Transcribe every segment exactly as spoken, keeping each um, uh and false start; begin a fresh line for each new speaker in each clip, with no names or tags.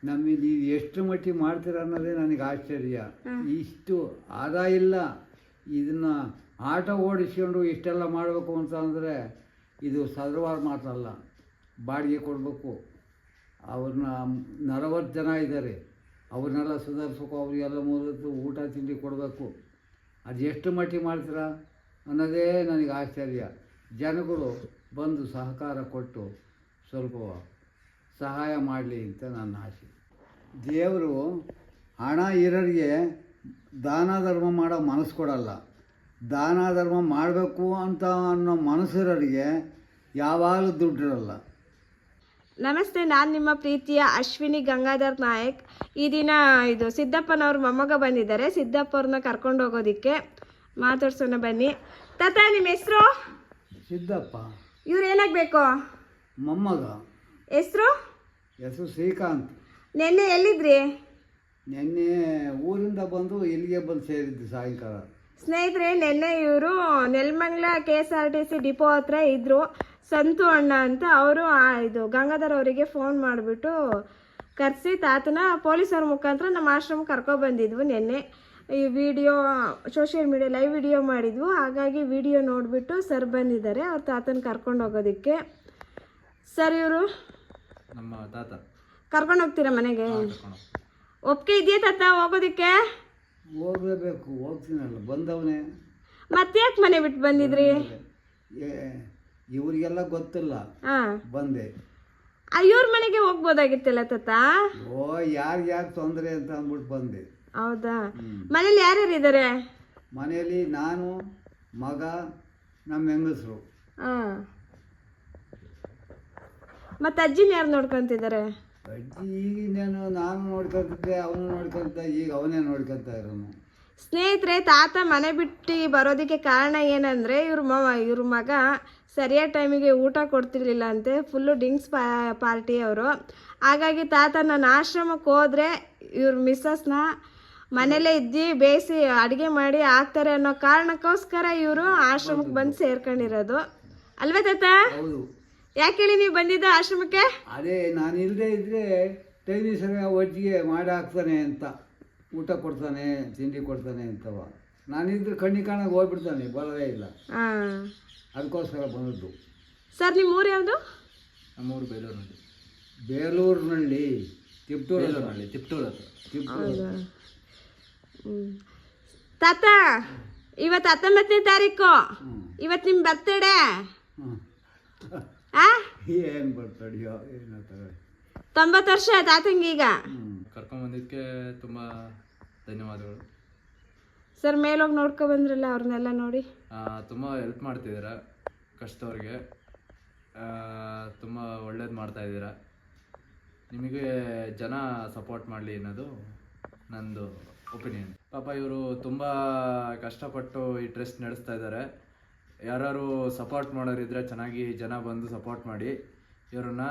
ನಮಗೆ ನೀವು ಎಷ್ಟು ಮಟ್ಟಿಗೆ ಮಾಡ್ತೀರ ಅನ್ನೋದೇ ನನಗೆ ಆಶ್ಚರ್ಯ. ಇಷ್ಟು ಆದಾಯ ಇಲ್ಲ, ಇದನ್ನು ಆಟೋ ಓಡಿಸ್ಕೊಂಡು ಇಷ್ಟೆಲ್ಲ ಮಾಡಬೇಕು ಅಂತ ಅಂದರೆ ಇದು ಸದೃವಾದ ಮಾತಲ್ಲ. ಬಾಡಿಗೆ ಕೊಡಬೇಕು, ಅವ್ರನ್ನ ನಲವತ್ತು ಜನ ಇದ್ದಾರೆ, ಅವ್ರನ್ನೆಲ್ಲ ಸುಧಾರಿಸ್ಬೇಕು, ಅವರಿಗೆಲ್ಲ ಮೊದಲು ಊಟ ತಿಂಡಿ ಕೊಡಬೇಕು. ಅದು ಎಷ್ಟು ಮಟ್ಟಿಗೆ ಮಾಡ್ತೀರಾ ಅನ್ನೋದೇ ನನಗೆ ಆಶ್ಚರ್ಯ. ಜನಗಳು ಬಂದು ಸಹಕಾರ ಕೊಟ್ಟು ಸ್ವಲ್ಪ ಸಹಾಯ ಮಾಡಲಿ ಅಂತ ನನ್ನ ಆಸೆ. ದೇವರು ಹಣ ಇರೋರಿಗೆ ದಾನ ಧರ್ಮ ಮಾಡೋ ಮನಸ್ಸು ಕೊಡಲ್ಲ. ದಾನ ಧರ್ಮ ಮಾಡಬೇಕು ಅಂತ ಅನ್ನೋ ಮನಸ್ಸಿರೋರಿಗೆ ಯಾವಾಗಲೂ ದುಡ್ಡಿರಲ್ಲ.
ನಮಸ್ತೆ, ನಾನು ನಿಮ್ಮ ಪ್ರೀತಿಯ ಅಶ್ವಿನಿ ಗಂಗಾಧರ್ ನಾಯಕ್. ಈ ದಿನ ಇದು ಸಿದ್ದಪ್ಪನವ್ರ ಮೊಮ್ಮಗ ಬಂದಿದ್ದಾರೆ. ಸಿದ್ದಪ್ಪವ್ರನ್ನ ಕರ್ಕೊಂಡು ಹೋಗೋದಕ್ಕೆ ಮಾತಾಡ್ಸೋಣ ಬನ್ನಿ. ತಾತ, ನಿಮ್ಮ ಹೆಸರು?
ಸಿದ್ದಪ್ಪ.
ಇವ್ರು ಏನಾಗಬೇಕು?
ಮೊಮ್ಮಗ.
ಹೆಸರು?
ಹೆಸರು ಶ್ರೀಕಾಂತ್.
ನೆನ್ನೆ ಎಲ್ಲಿದ್ರಿ?
ನೆನ್ನೆ ಊರಿಂದ ಬಂದು ಇಲ್ಲಿಗೆ ಬಂದು ಸೇರಿದ್ದು ಸಾಯಂಕಾಲ.
ಸ್ನೇಹಿತರೆ, ನೆನ್ನೆ ಇವರು Nelamangala K S R T C depot ಹತ್ರ ಇದ್ದರು. ಸಂತು ಅಣ್ಣ ಅಂತ ಅವರು ಇದು ಗಂಗಾಧರ್ ಅವರಿಗೆ ಫೋನ್ ಮಾಡಿಬಿಟ್ಟು ಕರೆಸಿ ತಾತನ ಪೊಲೀಸರ ಮುಖಾಂತರ ನಮ್ಮ ಆಶ್ರಮಕ್ಕೆ ಕರ್ಕೊಬಂದಿದ್ವು. ನಿನ್ನೆ ಈ video social media live video ಮಾಡಿದ್ವು. ಹಾಗಾಗಿ ವಿಡಿಯೋ ನೋಡಿಬಿಟ್ಟು ಸರ್ ಬಂದಿದ್ದಾರೆ ಅವ್ರ ತಾತನ ಕರ್ಕೊಂಡು ಹೋಗೋದಕ್ಕೆ. ಸರ್, ಇವರು
ನಮ್ಮ ತಾತ
ಕರ್ಕೊಂಡು ಹೋಗ್ತೀರಾ ಮನೆಗೆ? ಒಪ್ಪಿಗೆ ಇದೆಯಾ ತಾತ ಹೋಗೋದಕ್ಕೆ?
ಹೋಗಲೇಬೇಕು, ಹೋಗ್ತೀನಲ್ಲ, ಬಂದವನೇ.
ಮತ್ತೆ ಯಾಕೆ ಮನೆ ಬಿಟ್ಟು ಬಂದಿದ್ರಿ?
ಇವರಿಗೆಲ್ಲ ಗೊತ್ತಿಲ್ಲ, ಬಂದೆ.
ಇವ್ರ ಮನೆಗೆ ಹೋಗ್ಬೋದಾಗಿತ್ತಲ್ಲ ತಾತ?
ಓ, ಯಾರಿಗೆ ಯಾಕೆ ತೊಂದರೆ ಅಂತ ಅಂದ್ಬಿಟ್ಟು ಬಂದೆ.
ಹೌದಾ? ಮನೇಲಿ ಯಾರ್ಯಾರು ಇದ್ದಾರೆ?
ಮನೆಯಲ್ಲಿ ನಾನು, ಮಗ, ನಮ್ಮ ಹೆಂಗಸರು.
ಹಾಂ. ಮತ್ತೆ ಅಜ್ಜಿನ ಯಾರು ನೋಡ್ಕೊಂತಿದ್ದಾರೆ?
ಅಜ್ಜಿ ಈಗಿನೇನು ನಾನು ನೋಡ್ಕೊತಿದ್ದೆ, ಅವನು ನೋಡ್ಕೊಂತ, ಈಗ ಅವನೇ ನೋಡ್ಕೊತ ಇರೋನು.
ಸ್ನೇಹಿತರೆ, ತಾತ ಮನೆ ಬಿಟ್ಟು ಬರೋದಕ್ಕೆ ಕಾರಣ ಏನಂದರೆ ಇವ್ರ ಮ ಇವ್ರ ಮಗ ಸರಿಯಾದ ಟೈಮಿಗೆ ಊಟ ಕೊಡ್ತಿರ್ಲಿಲ್ಲ ಅಂತೆ. ಫುಲ್ಲು ಡ್ರಿಂಕ್ಸ್ ಪಾ ಪಾರ್ಟಿ ಅವರು. ಹಾಗಾಗಿ ತಾತ ನಾನು ಆಶ್ರಮಕ್ಕೆ ಹೋದರೆ ಇವ್ರ ಮಿಸ್ಸಸ್ನ ಮನೇಲೇ ಇದ್ದು ಬೇಯಿಸಿ ಅಡುಗೆ ಮಾಡಿ ಹಾಕ್ತಾರೆ ಅನ್ನೋ ಕಾರಣಕ್ಕೋಸ್ಕರ ಇವರು ಆಶ್ರಮಕ್ಕೆ ಬಂದು ಸೇರ್ಕೊಂಡಿರೋದು ಅಲ್ವೇ ತಾತ?
ಹೌದು.
ಯಾಕೆ ಹೇಳಿ ನೀವು ಬಂದಿದ್ದ ಆಶ್ರಮಕ್ಕೆ?
ಅದೇ, ನಾನು ಇಲ್ಲದೆ ಇದ್ದರೆ ಟೈಮಿ ಸರಿಯಾಗಿ ಒಜ್ಜಿಗೆ ಮಾಡಿ ಹಾಕ್ತಾನೆ ಅಂತ, ಊಟ ಕೊಡ್ತಾನೆ, ತಿಂಡಿ ಕೊಡ್ತಾನೆ ಅಂತವ. ನಾನಿದ್ರೆ ಕಣ್ಣಿ ಕಾಣಾಗ ಹೋಗ್ಬಿಡ್ತಾನೆ, ಬರೋದೇ ಇಲ್ಲ.
ಹಾಂ,
ಅದಕ್ಕೋಸ್ಕರ ಬಂದದ್ದು.
ಸರ್, ನಿಮ್ಮ ಊರು ಯಾವುದು?
ನಮ್ಮೂರು ಬೇಲೂರಿನಲ್ಲಿ.
ಬೇಲೂರಿನಲ್ಲಿ ತಿಪ್ಟೂರು
ಬೇಲೂರಿನಲ್ಲಿ ತಿಪ್ಟೂರು ಹತ್ರ.
ತಿಪ್ಟೂರು.
ಹ್ಞೂ ತಾತ, ಇವತ್ತು ಹತ್ತೊಂಬತ್ತನೇ ತಾರೀಕು, ಇವತ್ತು ನಿಮ್ಮ ಬರ್ತಡೇ. ಆ
ಏನು ಬರ್ತಡೆಯೋ ಏನೋ ತಗೊಳ್ಳಿ.
ತೊಂಬತ್ತು ವರ್ಷ ತಾತಂಗೀಗ.
ಕರ್ಕೊಂಬಂದಿದ್ದಕ್ಕೆ ತುಂಬ ಧನ್ಯವಾದಗಳು
ಸರ್. ಮೇಲೋಗಿ ನೋಡ್ಕೊ ಬಂದ್ರಲ್ಲ ಅವ್ರನ್ನೆಲ್ಲ ನೋಡಿ.
ತುಂಬ ಹೆಲ್ಪ್ ಮಾಡ್ತಿದ್ದೀರಾ ಕಷ್ಟದವ್ರಿಗೆ, ತುಂಬ ಒಳ್ಳೇದು ಮಾಡ್ತಾಯಿದ್ದೀರಾ. ನಿಮಗೆ ಜನ ಸಪೋರ್ಟ್ ಮಾಡಲಿ ಅನ್ನೋದು ನಂದು ಒಪಿನಿಯನ್. ಪಾಪ ಇವರು ತುಂಬ ಕಷ್ಟಪಟ್ಟು ಈ ಟ್ರಸ್ಟ್ ನಡೆಸ್ತಾ ಇದ್ದಾರೆ. ಯಾರು ಸಪೋರ್ಟ್ ಮಾಡೋರಿದ್ರೆ ಚೆನ್ನಾಗಿ ಜನ ಬಂದು ಸಪೋರ್ಟ್ ಮಾಡಿ ಇವ್ರನ್ನ.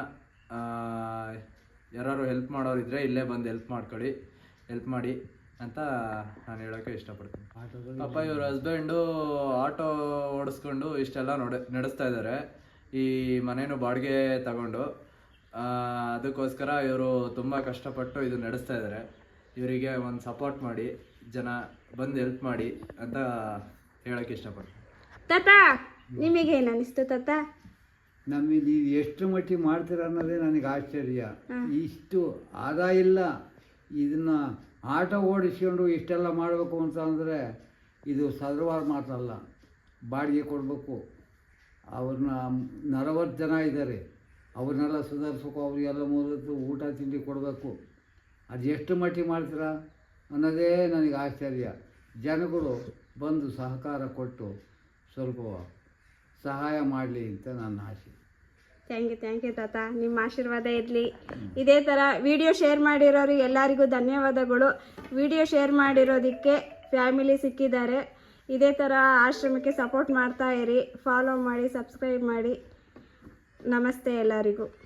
ಯಾರು ಹೆಲ್ಪ್ ಮಾಡೋರಿದ್ರೆ ಇಲ್ಲೇ ಬಂದು ಹೆಲ್ಪ್ ಮಾಡ್ಕೊಳ್ಳಿ, ಹೆಲ್ಪ್ ಮಾಡಿ ಅಂತ ನಾನು ಹೇಳೋಕ್ಕೆ ಇಷ್ಟಪಡ್ತೀನಿ. ಪಾಪ ಇವ್ರ ಹಸ್ಬೆಂಡು ಆಟೋ ಓಡಿಸ್ಕೊಂಡು ಇಷ್ಟೆಲ್ಲ ನೋಡ ನಡೆಸ್ತಾ ಇದ್ದಾರೆ. ಈ ಮನೇನು ಬಾಡಿಗೆ ತಗೊಂಡು ಅದಕ್ಕೋಸ್ಕರ ಇವರು ತುಂಬ ಕಷ್ಟಪಟ್ಟು ಇದು ನಡೆಸ್ತಾ ಇದ್ದಾರೆ. ಇವರಿಗೆ ಒಂದು ಸಪೋರ್ಟ್ ಮಾಡಿ, ಜನ ಬಂದು ಹೆಲ್ಪ್ ಮಾಡಿ ಅಂತ ಹೇಳೋಕ್ಕೆ ಇಷ್ಟಪಡ್ತೀನಿ.
ತಾತ, ನಿಮಗೇನು ಅನಿಸ್ತು ತಾತ?
ನಮಗೆ ನೀವು ಎಷ್ಟು ಮಟ್ಟಿಗೆ ಮಾಡ್ತೀರ ಅನ್ನೋದೇ ನನಗೆ ಆಶ್ಚರ್ಯ. ಇಷ್ಟು ಆದಾಯ ಇಲ್ಲ, ಇದನ್ನು ಆಟೋ ಓಡಿಸ್ಕೊಂಡು ಇಷ್ಟೆಲ್ಲ ಮಾಡಬೇಕು ಅಂತ ಅಂದರೆ ಇದು ಸದೃವಾದ ಮಾತಲ್ಲ. ಬಾಡಿಗೆ ಕೊಡಬೇಕು, ಅವ್ರನ್ನ ನಲವತ್ತು ಜನ ಇದ್ದಾರೆ, ಅವ್ರನ್ನೆಲ್ಲ ಸುಧಾರಿಸ್ಬೇಕು, ಅವರಿಗೆಲ್ಲ ಮೊದಲು ಊಟ ತಿಂಡಿ ಕೊಡಬೇಕು. ಅದು ಎಷ್ಟು ಮಟ್ಟಿಗೆ ಮಾಡ್ತೀರಾ ಅನ್ನೋದೇ ನನಗೆ ಆಶ್ಚರ್ಯ. ಜನಗಳು ಬಂದು ಸಹಕಾರ ಕೊಟ್ಟು ಸ್ವಲ್ಪ ಸಹಾಯ ಮಾಡಲಿ ಅಂತ ನನ್ನ ಆಸೆ.
ಥ್ಯಾಂಕ್ ಯು ಥ್ಯಾಂಕ್ ಯು ತಾತ, ನಿಮ್ಮ ಆಶೀರ್ವಾದ ಇರಲಿ. ಇದೇ ಥರ ವಿಡಿಯೋ ಶೇರ್ ಮಾಡಿರೋರು ಎಲ್ಲರಿಗೂ ಧನ್ಯವಾದಗಳು. ವಿಡಿಯೋ ಶೇರ್ ಮಾಡಿರೋದಕ್ಕೆ ಫ್ಯಾಮಿಲಿ ಸಿಕ್ಕಿದ್ದಾರೆ. ಇದೇ ಥರ ಆಶ್ರಮಕ್ಕೆ ಸಪೋರ್ಟ್ ಮಾಡ್ತಾ ಇರಿ, ಫಾಲೋ ಮಾಡಿ, ಸಬ್ಸ್ಕ್ರೈಬ್ ಮಾಡಿ. ನಮಸ್ತೆ ಎಲ್ಲರಿಗೂ.